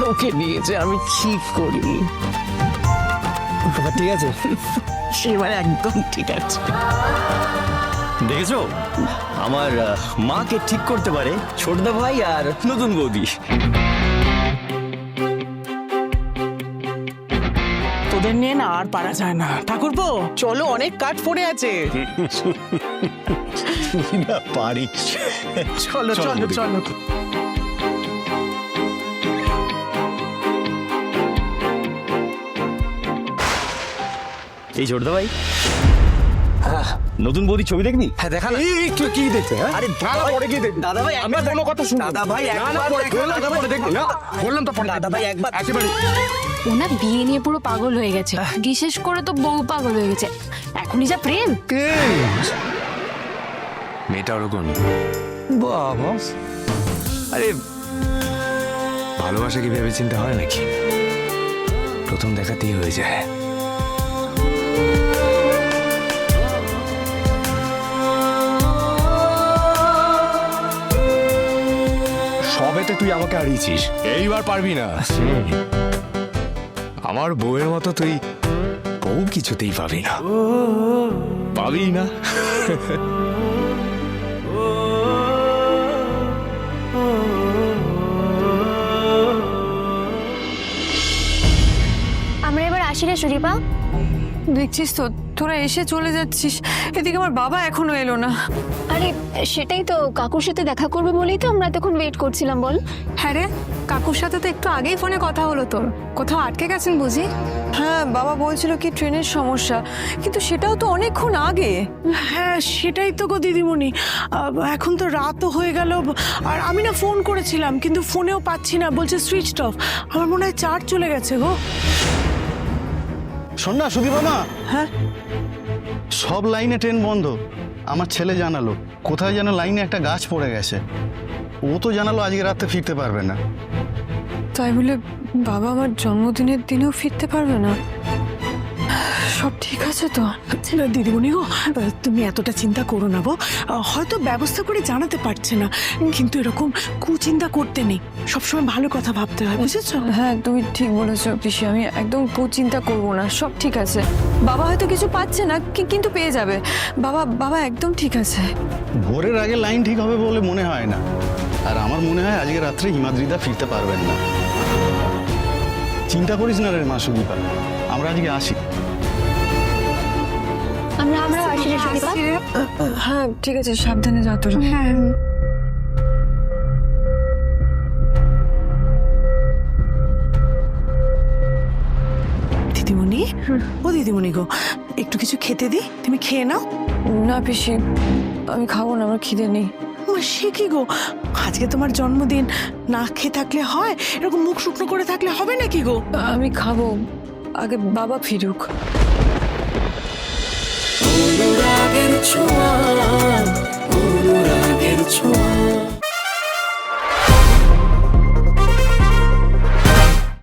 ওকে নিয়েছে, আমি কি করি? ঠিক আছে, এবার একদম ঠিক আছে। দেখেছো আমার মাকে ঠিক করতে পারে ছোটদা ভাই আর নতুন বৌদি। তোদের নিয়ে না আর পারা যায় না ঠাকুরপো, চলো অনেক কাঠ পড়ে আছে। পারিস, চলো চলো চলো। এই ছোটদা ভাই, নতুন বৌদি ছবি দেখনি? হ্যাঁ দেখা না। এই তুই কি দেখতে? আরে পরে কি দেখবি? দাদা ভাই আমি কোনো কথা শুনবো দাদা ভাই না, না, একবার পরে, দেখা, বললাম তো পরে দেখবি না, বললাম তো পরে দাদা ভাই একবার একেবারে। ওনা বিয়ে নিয়ে পুরো পাগল হয়ে গেছে, বিশেষ করে তো বউ পাগল হয়ে গেছে। এখনই যা প্রেম। মেয়েটা ওরকম। বাবা, আরে ভালোবাসা কি ভেবে চিন্তা হয় নাকি? প্রথম দেখাতেই হয়ে যায়। সবেতে তুই আমাকে হারিয়েছিস, এইবার পারবি না। আমার বউয়ের মতো তুই বউ কিছুতেই পাবি না, পাবি না। আমরা এবার আসি রে সুদীপা। দেখছিস তো তোরা এসে চলে যাচ্ছিস, এদিকে আমার বাবা এখনো এলো না। আরে সেটাই তো, কাকুর সাথে দেখা করবে বলেই তো আমরা এতক্ষণ ওয়েট করছিলাম। বল। হ্যাঁ রে, কাকুর সাথে তো একটু আগেই ফোনে কথা হলো তোর। কোথাও আটকে গেছেন বুঝি? হ্যাঁ, বাবা বলছিল কি ট্রেনের সমস্যা, কিন্তু সেটাও তো অনেকক্ষণ আগে। হ্যাঁ সেটাই তো গো দিদিমণি, এখন তো রাতও হয়ে গেল। আর আমি না ফোন করেছিলাম কিন্তু ফোনেও পাচ্ছি না, বলছে সুইচ অফ। আমার মনে হয় চার্জ চলে গেছে গো। শোন না সুদীপা মা, হ্যাঁ সব লাইনে ট্রেন বন্ধ। আমার ছেলে জানালো কোথায় যেন লাইনে একটা গাছ পড়ে গেছে। ও তো জানালো আজকে রাতে ফিরতে পারবে না। তাই বলে বাবা আমার জন্মদিনের দিনেও ফিরতে পারবে না? সব ঠিক আছে তো? দিদিমণি গো, তুমি এতটা চিন্তা করো না গো, হয়তো ব্যবস্থা করে জানাতে পারছে না, কিন্তু এরকম কুচিন্তা করতে নেই, সবসময় ভালো কথা ভাবতে হয়, বুঝেছো? হ্যাঁ তুমি ঠিক বলেছো পিসি, আমি একদম চিন্তা করবো না, সব ঠিক আছে। বাবা হয়তো কিছু পাচ্ছে না কিন্তু পেয়ে যাবে। বাবা বাবা একদম ঠিক আছে। ভোরের আগে লাইন ঠিক হবে বলে মনে হয় না। আর আমার মনে হয় আজকে রাত্রে হিমাদ্রিদা ফিরতে পারবেন না। চিন্তা করিস না রে মা সুদীপা, আমরা আজকে আসি। আমরা আসি রে সুদীপা। হ্যাঁ ঠিক আছে, সাবধানে যাও তোরা। হ্যাঁ দিদিমণি, ও দিদিমণি গো, একটু কিছু খেতে দি, তুমি খেয়ে নাও। না পিসি, আমি খাবো না, আমার খিদে নেই। সে কি গো, আজকে তোমার জন্মদিন, না খেয়ে থাকলে হয়? এরকম মুখ শুকনো করে থাকলে হবে নাকি গো? আমি খাবো, আগে বাবা ফিরুক।